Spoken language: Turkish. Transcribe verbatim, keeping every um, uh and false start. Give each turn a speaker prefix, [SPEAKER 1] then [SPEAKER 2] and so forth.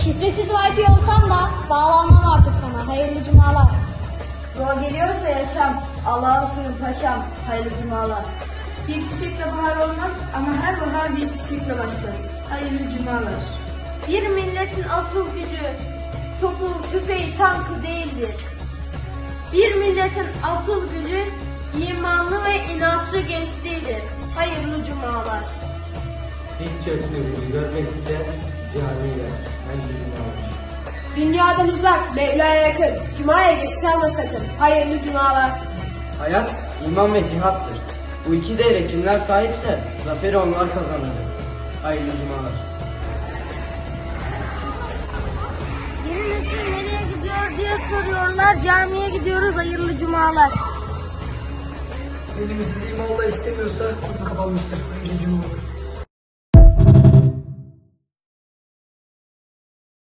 [SPEAKER 1] Şifresiz Wi-Fi olsam da bağlanmam artık sana. Hayırlı cumalar.
[SPEAKER 2] Zor geliyorsa yaşam, Allah'ın sınır paşam, hayırlı cumalar.
[SPEAKER 3] Bir çiçekle bahar olmaz ama her bahar bir çiçekle başlar. Hayırlı cumalar.
[SPEAKER 4] Bir milletin asıl gücü topu, tüfeği, tankı değildir. Bir milletin asıl gücü imanlı ve inançlı gençliğidir. Hayırlı cumalar.
[SPEAKER 5] Diz çöktüğümüzü görmek isteyen camiye gelsin. Hayırlı cumalar.
[SPEAKER 4] Dünyadan uzak, Mevla'ya yakın. Cuma'ya geç kalma sakın. Hayırlı cumalar.
[SPEAKER 5] Hayat, iman ve cihattır. Bu iki değere kimler sahipse zaferi onlar kazanacak. Hayırlı cumalar.
[SPEAKER 6] Yeni nesil nereye gidiyor diye soruyorlar. Camiye gidiyoruz. Hayırlı cumalar.
[SPEAKER 7] Elimizi imanla istemiyorsa konu kapanmıştır. Hayırlı cumalar.